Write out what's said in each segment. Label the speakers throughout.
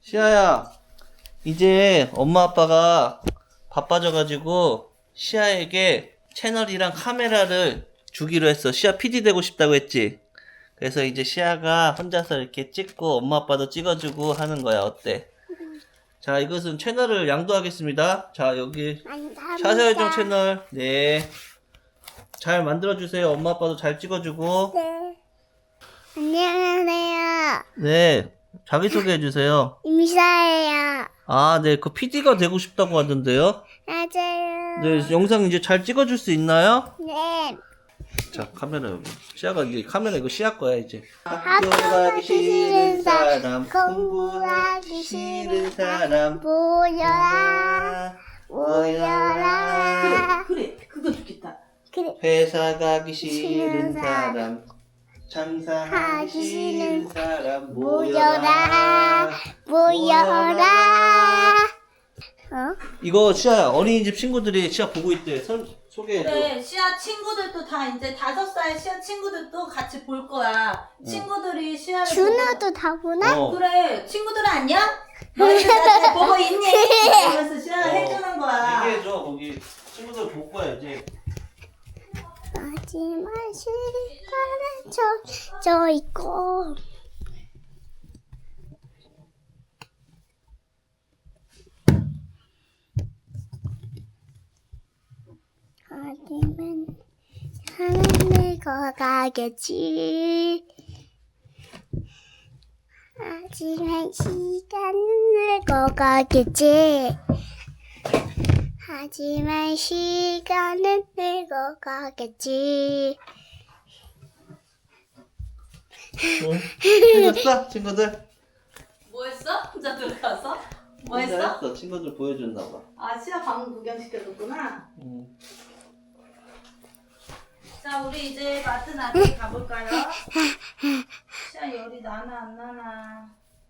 Speaker 1: 시아야, 이제 엄마 아빠가 바빠져가지고 시아에게 채널이랑 카메라를 주기로 했어. 시아 PD 되고 싶다고 했지? 그래서 이제 시아가 혼자서 이렇게 찍고 엄마 아빠도 찍어주고 하는 거야. 어때? 자, 이것은 채널을 양도하겠습니다. 자, 여기 샤샤요정 채널. 네. 잘 만들어주세요. 엄마 아빠도 잘 찍어주고.
Speaker 2: 네. 안녕하세요.
Speaker 1: 네. 자기소개 해주세요.
Speaker 2: 임사예요.
Speaker 1: 아, 네. 그 PD가 되고 싶다고 하던데요.
Speaker 2: 맞아요.
Speaker 1: 네. 영상 이제 잘 찍어줄 수 있나요?
Speaker 2: 네.
Speaker 1: 자, 카메라 여기. 시아가 이제 카메라 이거 시아 거야, 이제.
Speaker 2: 학교 가기 싫은 사람, 공부하기 싫은
Speaker 1: 사람.
Speaker 2: 모여라. 모여라.
Speaker 3: 그래 그거 좋겠다.
Speaker 2: 그래.
Speaker 1: 회사 가기 싫은
Speaker 2: 싫은
Speaker 1: 사람. 장사하기
Speaker 2: 하기
Speaker 1: 싫은
Speaker 2: 싫은
Speaker 1: 사람.
Speaker 2: 모여라. 모여라. 어?
Speaker 1: 이거 시아야, 어린이집 친구들이 시아 보고 있대. 소개해줘.
Speaker 3: 그래 시아 친구들도 다 이제 5살 시아 친구들도 같이 볼 거야. 친구들이 시아를
Speaker 2: 준호도 다 보나?
Speaker 1: 어.
Speaker 3: 그래 친구들 안녕? 너희들 다 보고 있니? 그러면서 시아가 해주는 거야.
Speaker 1: 얘기해줘. 거기 친구들 볼 거야, 이제.
Speaker 2: 마지막 시간은 저 있고. 하지만 하늘 걸어가겠지. 하지만 시간은 늙어가겠지. 하지만 시간은 늙어가겠지.
Speaker 1: 해줬어? 친구들?
Speaker 3: 뭐 했어? 혼자 들어가서? 뭐
Speaker 1: 혼자
Speaker 3: 했어?
Speaker 1: 했어. 친구들 보여줬나봐.
Speaker 3: 아 시아 방금 구경시켜줬구나. 자 우리 이제 마트 나중에 가볼까요? 시아 열이 나나 안 나나.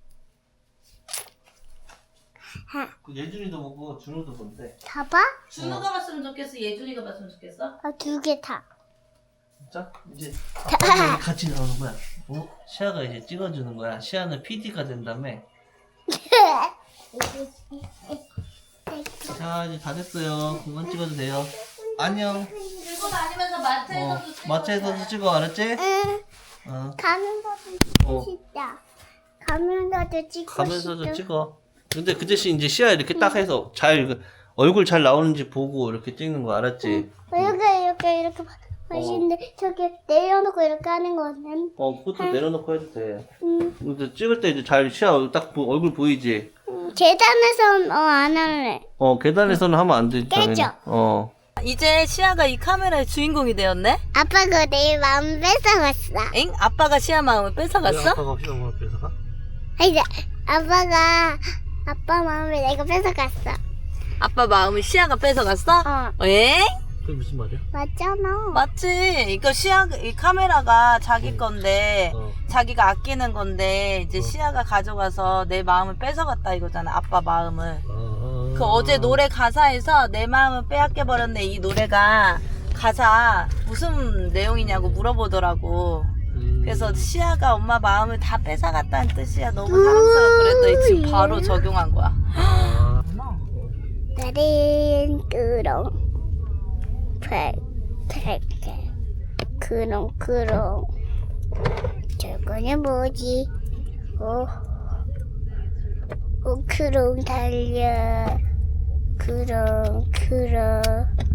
Speaker 1: 그 예준이도 보고 준호도 본대.
Speaker 2: 다 봐?
Speaker 3: 준우가 봤으면 좋겠어? 예준이가 봤으면 좋겠어?
Speaker 2: 두 개 다.
Speaker 1: 진짜? 이제 아빠랑 같이 나오는 거야. 어? 시아가 이제 찍어주는 거야. 시아는 PD가 된다며. 자, 이제 다 됐어요. 그만 찍어도 돼요. 안녕.
Speaker 3: 들고 다니면서 마트에서도 찍어.
Speaker 1: 마트에서도 찍어, 알았지?
Speaker 2: 응.
Speaker 1: 어.
Speaker 2: 가면서도
Speaker 1: 어.
Speaker 2: 찍자. 가면서도 찍고
Speaker 1: 가면서도
Speaker 2: 싶어.
Speaker 1: 찍어. 근데 그 대신 이제 시아 이렇게 딱 해서 잘 얼굴 잘 나오는지 보고 이렇게 찍는 거 알았지?
Speaker 2: 이렇게 맛있는데 저기 내려놓고 이렇게 하는 거는.
Speaker 1: 그것도 내려놓고 해도 돼.
Speaker 2: 응.
Speaker 1: 근데 찍을 때 이제 잘 시아 딱 얼굴 보이지?
Speaker 2: 계단에선 안 할래.
Speaker 1: 계단에서는 하면 안 되지. 당연히.
Speaker 2: 깨져.
Speaker 3: 이제 시아가 이 카메라의 주인공이 되었네?
Speaker 2: 아빠가 내 마음 뺏어갔어.
Speaker 3: 엥? 아빠가 시아 마음을 뺏어갔어?
Speaker 1: 아빠가 시아 마음을 뺏어가?
Speaker 2: 아니, 아빠가 아빠 마음을 내가 뺏어갔어.
Speaker 3: 아빠 마음을 시아가 뺏어갔어? 엥?
Speaker 1: 그게 무슨 말이야?
Speaker 2: 맞잖아.
Speaker 3: 맞지. 이거 이 카메라가 자기 건데,
Speaker 1: 어.
Speaker 3: 자기가 아끼는 건데, 이제 시아가 가져가서 내 마음을 뺏어갔다 이거잖아, 아빠 마음을. 그 어제 노래 가사에서 내 마음을 빼앗겨버렸네, 이 노래가 가사 무슨 내용이냐고 물어보더라고. 그래서 시아가 엄마 마음을 다 뺏어갔다는 뜻이야. 너무 사랑스러워 그랬더니 지금 바로 적용한 거야.
Speaker 2: 나린 그렁 저거는 뭐지? 그렁 달려 그렁